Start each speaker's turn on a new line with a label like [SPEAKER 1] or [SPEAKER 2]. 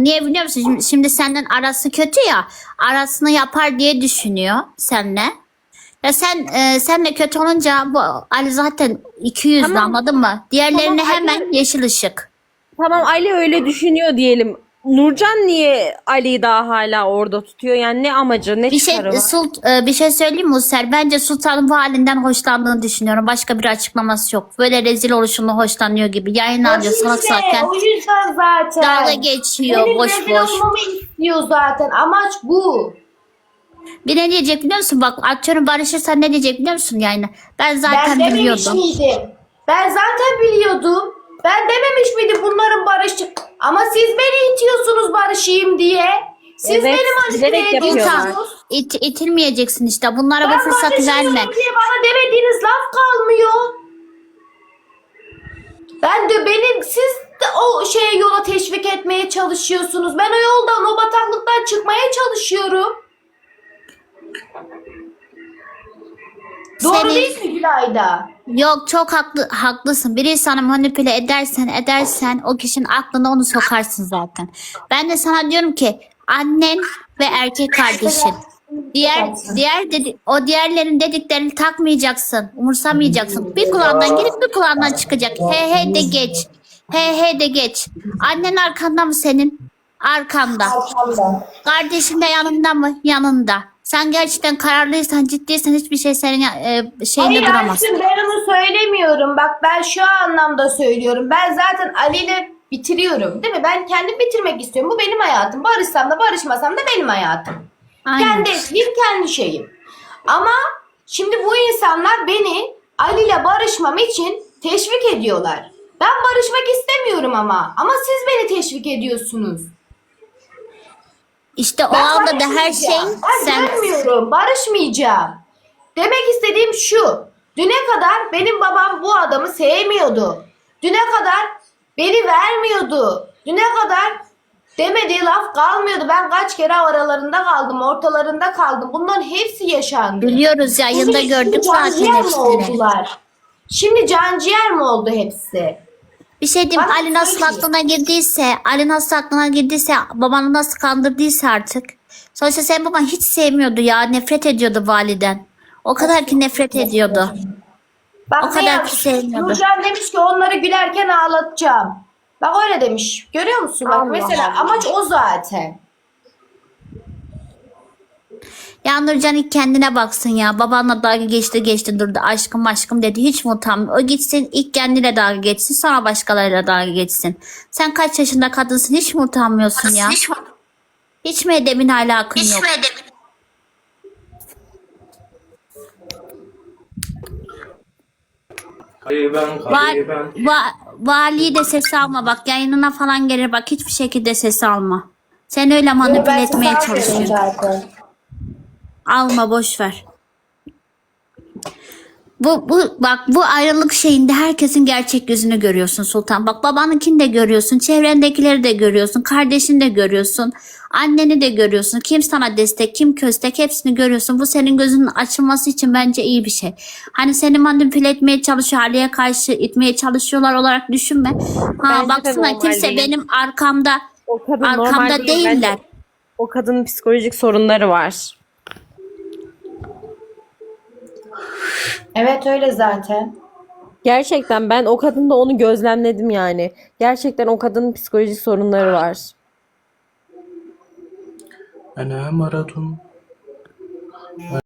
[SPEAKER 1] Niye biliyor musun? Şimdi senden arası kötü ya. Arasını yapar diye düşünüyor seninle. Ya senle kötü olunca bu Ali zaten 200'lü,
[SPEAKER 2] Tamam.
[SPEAKER 1] anladın mı? Diğerlerine
[SPEAKER 2] Tamam,
[SPEAKER 1] hemen
[SPEAKER 2] Ali.
[SPEAKER 1] yeşil ışık.
[SPEAKER 2] Tamam, Ali öyle düşünüyor diyelim. Nurcan niye Ali'yi daha hala orada tutuyor? Yani ne amacı, ne
[SPEAKER 1] Bir şey
[SPEAKER 2] çıkarı var?
[SPEAKER 1] bir şey söyleyeyim mi User? Bence Sultan'ın bu halinden hoşlandığını düşünüyorum. Başka bir açıklaması yok. Böyle rezil oluşundan hoşlanıyor gibi. Yayın alıyor salak
[SPEAKER 3] İşte
[SPEAKER 1] zaten.
[SPEAKER 3] o yüzden zaten.
[SPEAKER 1] Dalga geçiyor
[SPEAKER 3] Benim
[SPEAKER 1] boş
[SPEAKER 3] rezil
[SPEAKER 1] boş.
[SPEAKER 3] olmamı istiyor zaten. Amaç bu.
[SPEAKER 1] Bir ne diyecek biliyor musun? Bak atıyorum barışırsan ne diyecek biliyor musun yani? Ben
[SPEAKER 3] Ben
[SPEAKER 1] zaten
[SPEAKER 3] dememiş
[SPEAKER 1] biliyordum.
[SPEAKER 3] miydim? Ben zaten biliyordum. Ben dememiş miydim bunların barışı? Ama siz beni itiyorsunuz barışayım diye. Siz
[SPEAKER 2] Evet,
[SPEAKER 3] beni manipüle
[SPEAKER 2] bilerek yapıyorlar.
[SPEAKER 3] ediyorsunuz.
[SPEAKER 1] İtilmeyeceksin işte. Bunlara
[SPEAKER 3] Ben
[SPEAKER 1] bu fırsatı verme.
[SPEAKER 3] barışmıyorum diye bana demediğiniz laf kalmıyor. Siz de o şeye yola teşvik etmeye çalışıyorsunuz. Ben o yoldan, o bataklıktan çıkmaya çalışıyorum. Doğru
[SPEAKER 1] Senin-
[SPEAKER 3] değil mi Gülayda?
[SPEAKER 1] Yok çok haklısın. Biri sana manipüle edersen o kişinin aklına onu sokarsın zaten. Ben de sana diyorum ki annen ve erkek kardeşin. O diğerlerin dediklerini takmayacaksın, umursamayacaksın. Bir kulağından girip bir kulağından çıkacak. He he de geç. He he de geç. Annen arkanda mı senin? Arkanda. Kardeşin de yanında mı? Yanında. Sen gerçekten kararlıysan, ciddiysen hiçbir şey senin şeyinde
[SPEAKER 3] Hayır
[SPEAKER 1] duramaz.
[SPEAKER 3] aşkım, ben onu söylemiyorum. Bak ben şu anlamda söylüyorum. Ben zaten Ali ile bitiriyorum değil mi? Ben kendim bitirmek istiyorum. Bu benim hayatım. Barışsam da barışmasam da benim hayatım.
[SPEAKER 1] Aynen.
[SPEAKER 3] Kendi evliliğim, kendi şeyim. Ama şimdi bu insanlar beni Ali ile barışmam için teşvik ediyorlar. Ben barışmak istemiyorum ama. Ama siz beni teşvik ediyorsunuz.
[SPEAKER 1] İşte o
[SPEAKER 3] Ben
[SPEAKER 1] anda da her şey
[SPEAKER 3] barışmayacağım. Ben
[SPEAKER 1] sen
[SPEAKER 3] dönmüyorum. Barışmayacağım. Demek istediğim şu. Düne kadar benim babam bu adamı sevmiyordu. Düne kadar beni vermiyordu. Düne kadar demediği laf kalmıyordu. Ben kaç kere aralarında kaldım, ortalarında kaldım. Bunların hepsi yaşandı.
[SPEAKER 1] biliyoruz yayında
[SPEAKER 3] Şimdi
[SPEAKER 1] gördük
[SPEAKER 3] canciğer
[SPEAKER 1] zaten
[SPEAKER 3] mi
[SPEAKER 1] hepsini.
[SPEAKER 3] oldular? Şimdi canciğer mi oldu hepsi?
[SPEAKER 1] Bir şey diyeyim,
[SPEAKER 3] Bana
[SPEAKER 1] Ali nasıl
[SPEAKER 3] söyle.
[SPEAKER 1] aklına girdiyse, babanı nasıl kandırdıysa artık. Sonuçta sen baban hiç sevmiyordu ya, nefret ediyordu validen. O kadar ki nefret ediyordu.
[SPEAKER 3] Bak
[SPEAKER 1] O
[SPEAKER 3] ne
[SPEAKER 1] kadar
[SPEAKER 3] yapmış?
[SPEAKER 1] ki sevmiyordu.
[SPEAKER 3] Nurcan demiş ki onları gülerken ağlatacağım. Bak öyle demiş. Görüyor musun? Bak
[SPEAKER 2] Allah
[SPEAKER 3] mesela
[SPEAKER 2] Allah.
[SPEAKER 3] amaç o zaten.
[SPEAKER 1] Ya Nurcan ilk kendine baksın ya. Babanla dalga geçti durdu. Aşkım aşkım dedi. Hiç mi utanmıyor? O gitsin ilk kendine dalga geçsin. Sonra başkalarıyla dalga geçsin. Sen kaç yaşında kadınsın? Hiç mi utanmıyorsun ya? Hiç mi edebin alakın yok? Valiyi de ses alma bak, yayınına falan gelir bak, hiçbir şekilde ses alma. Sen öyle manipüle etmeye çalışıyorsun.
[SPEAKER 3] zaten.
[SPEAKER 1] Alma, boş ver. Bu ayrılık şeyinde herkesin gerçek yüzünü görüyorsun Sultan. Bak babanınkini de görüyorsun, çevrendekileri de görüyorsun, kardeşini de görüyorsun, anneni de görüyorsun. Kim sana destek, kim köstek, hepsini görüyorsun. Bu senin gözünün açılması için bence iyi bir şey. Hani seni manipüle etmeye çalışıyor, Ali'ye karşı itmeye çalışıyorlar olarak düşünme. Ha
[SPEAKER 2] Bence de
[SPEAKER 1] baksana,
[SPEAKER 2] normal
[SPEAKER 1] kimse
[SPEAKER 2] değil.
[SPEAKER 1] benim arkamda
[SPEAKER 2] O kadın normal
[SPEAKER 1] arkamda
[SPEAKER 2] değil. Bence
[SPEAKER 1] değiller.
[SPEAKER 2] o kadının psikolojik sorunları var.
[SPEAKER 3] Evet öyle zaten.
[SPEAKER 2] Gerçekten ben o kadında onu gözlemledim yani. Gerçekten o kadının psikolojik sorunları var.
[SPEAKER 4] أنا مرض